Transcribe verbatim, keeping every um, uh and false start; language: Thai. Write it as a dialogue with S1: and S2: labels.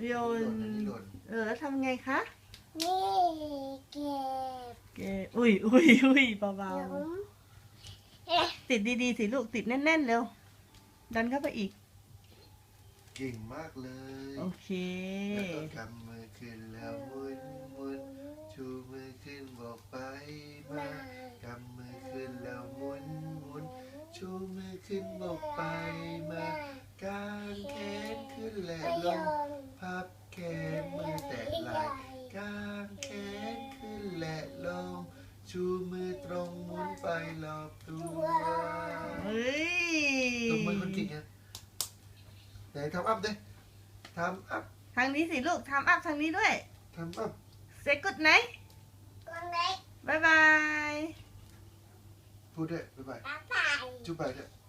S1: โยนเออแล้วทำไงคะ
S2: นี่เก็บ
S1: เก็บอุ้ยอุ้ยอุ้ยเบา
S2: หลุม
S1: ๆติดดีๆสิลูกติดแน่นๆเร็วดันเข้าไปอีก
S3: เก่งมากเลย
S1: โอเค
S3: แล้วก็กำมือขึ้นแล้วหมุนหมุนชูมือขึ้นบอกไปมากำมือขึ้นแล้วหมุนหมุนชูมือขึ้นบอกไปมากางแขนขึ้นและลงพับแขนมือแตะไหล่กางแขนขึ้นและลงชูมือตรงหมุนไปรอบตัว
S1: เฮ้ย
S3: ตรงมือคนเก่งไงไหนทำอัพดิทำอัพ
S1: ทางนี้สิลูกทำอัพทางนี้ด้วย
S3: ทำอัพ
S1: เซกุดไหน
S2: คนเล็ก
S1: บายบาย
S3: พูดด้วยบ๊ายบาย
S2: ตาใส่
S3: จุ๊บไปด้วย